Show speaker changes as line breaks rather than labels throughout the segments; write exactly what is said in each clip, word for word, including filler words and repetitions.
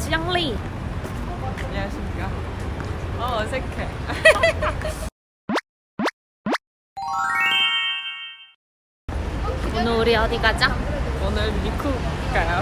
샹리.
안녕하십니까. 어, 어색해.
오늘 우리 어디 가죠?
오늘 미국 가요.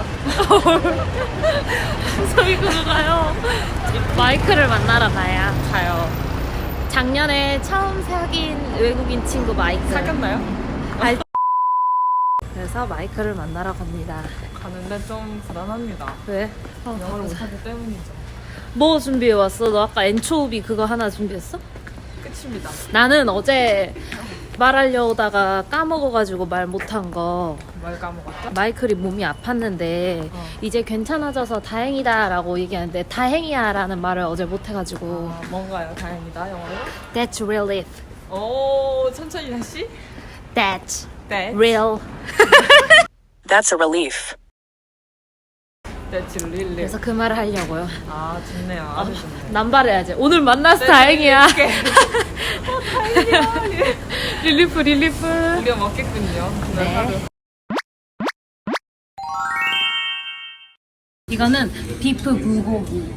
저희 그거 가요. 마이크를 만나러 가야.
가요.
작년에 처음 사귄 외국인 친구 마이크.
사귀었나요?
알... 그래서 마이크를 만나러 갑니다.
가는데 좀 불안합니다.
왜? 어,
영어를
가보자.
못하기 때문이죠.
뭐 준비해 왔어? 너 아까 엔초비 그거 하나 준비했어?
끝입니다.
나는 어제 말하려다가 까먹어가지고 말 못한 거.
뭘 까먹었죠?
마이클이 몸이 아팠는데
어.
이제 괜찮아져서 다행이다 라고 얘기하는데 다행이야 라는 말을 어제 못해가지고
어, 뭔가요? 다행이다, 영어로.
That's relief.
오, 천천히 다시.
That's
네.
real.
That's a relief.
That's really.
그래서 그 말을 하려고요.
아, 좋네요. 아주 좋네요.
남발해야지. 오늘 만나서
네,
다행이야.
네, 어, 다행이야.
릴리프 릴리프.
우리가 먹겠군요. 그날
네.
하루.
이거는 비프 불고기.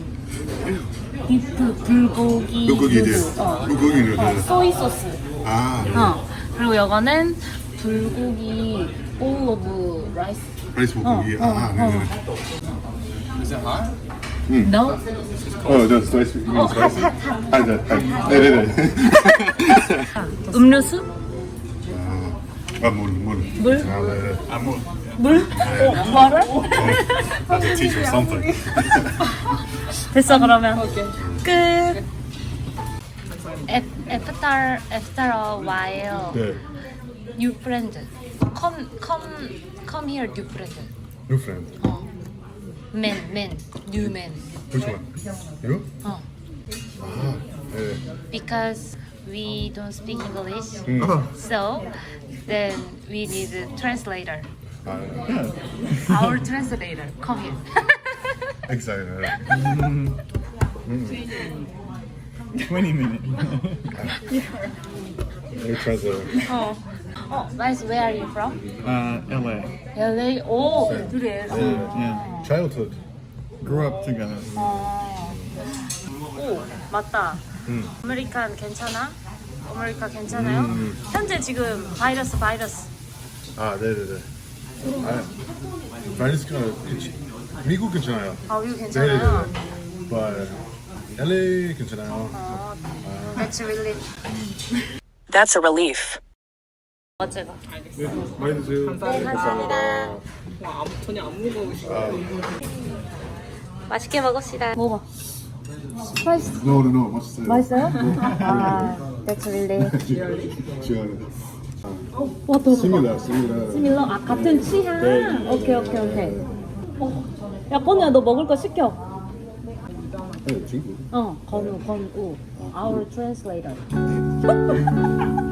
비프 불고기.
불고기들.
누구? 어.
불고기를.
어, 소이 소스.
아,
어. 그리고 이거는 불고기 bowl of rice.
라이스 불고기.
어,
아,
어,
네네.
No?
어, 저 스라이스. 이거 스라이스. 아, 네, 네, 네네네.
음료수?
아, 물, 물.
물?
아, 네. 아, 물.
물? 어, 뭐를?
That's a teacher something.
됐어 그러면
오케이.
끝. After after a while,
네.
new friend. Come come come here, new friend.
New friend.
어. Man man new man.
Which one? You?
어.
아, 네.
Because we don't speak English,
음.
so then we need a translator.
아, 네.
Our translator, come here.
Excited.
twenty minutes.
New translator.
어. 어, nice. Where are you from?
Uh, L A.
L A. 오, 둘이 L A.
Yeah.
Childhood.
Grew up together.
어. 오, 맞다.
음.
아메리칸 괜찮아? 아메리카 괜찮아요?
음.
현재 지금 바이러스 바이러스.
아, 네네네. 아, 바이러스가 미국 괜찮아요.
아, 이거 괜찮아요?
네네네. But 엘에이 괜찮아요.
어, that's really.
That's a relief.
어제가.
네, 많이 드세요.
네, 감사합니다.
와, 아무, 전혀 안 무거우시고.
아,
맛있게 먹읍시다. 먹어. 스파이스.
no, no, no. 맛있어요.
맛있어요? 아, that's really.
시원해.
와, 더
스밀라, 스밀라.
스밀러? 아, 같은 취향?
네.
오케이, 오케이, 오케이. 어. 야, 건우야, 너 먹을 거 시켜.
네, 친구.
어, 건우, 건우. Our translator.